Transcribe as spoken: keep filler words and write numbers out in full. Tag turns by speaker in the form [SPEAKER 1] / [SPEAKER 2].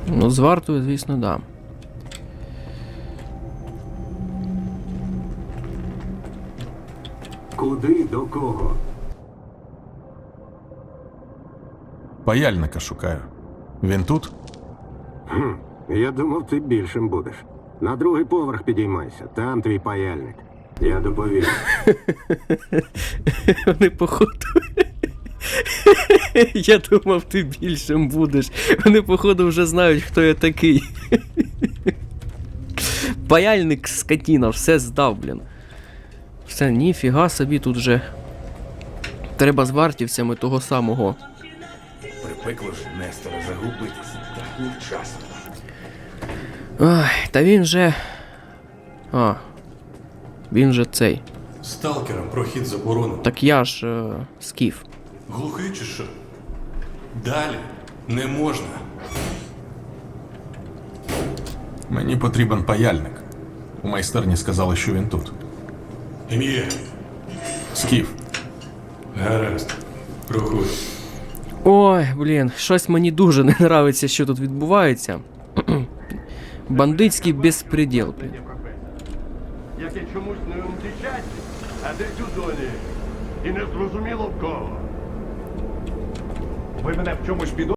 [SPEAKER 1] Ну, з вартою, звісно, да.
[SPEAKER 2] Куди, до кого?
[SPEAKER 3] Паяльника шукаю. Він тут?
[SPEAKER 2] Хм, я думав, ти більшим будеш. На другий поверх підіймайся, там твій паяльник. Я доповім.
[SPEAKER 1] Вони походу. Я думав, ти більшим будеш. Вони, походу, вже знають, хто я такий. Паяльник скотіна, все здав, блін. Все, ніфіга собі тут же. Треба з вартівцями того самого.
[SPEAKER 4] Припекло ж Нестора загубитися так невчасно.
[SPEAKER 1] Ай, та він же. А. Він же цей.
[SPEAKER 5] Сталкерам прохід заборонено.
[SPEAKER 1] Так я ж е, скіф.
[SPEAKER 5] Глухий чи що? Далі не можна.
[SPEAKER 3] Мені потрібен паяльник. У майстерні сказали, що він тут.
[SPEAKER 5] Ім'я.
[SPEAKER 3] Скіф.
[SPEAKER 5] Гаразд. Рухуй.
[SPEAKER 1] Ой, блін, щось мені дуже не нравиться, що тут відбувається. Бандитський безпреділ, блін.
[SPEAKER 6] Яке чомусь не втічать, а десь у зоні. І не зрозуміло в кого. Ви мене в чомусь підозрюєте?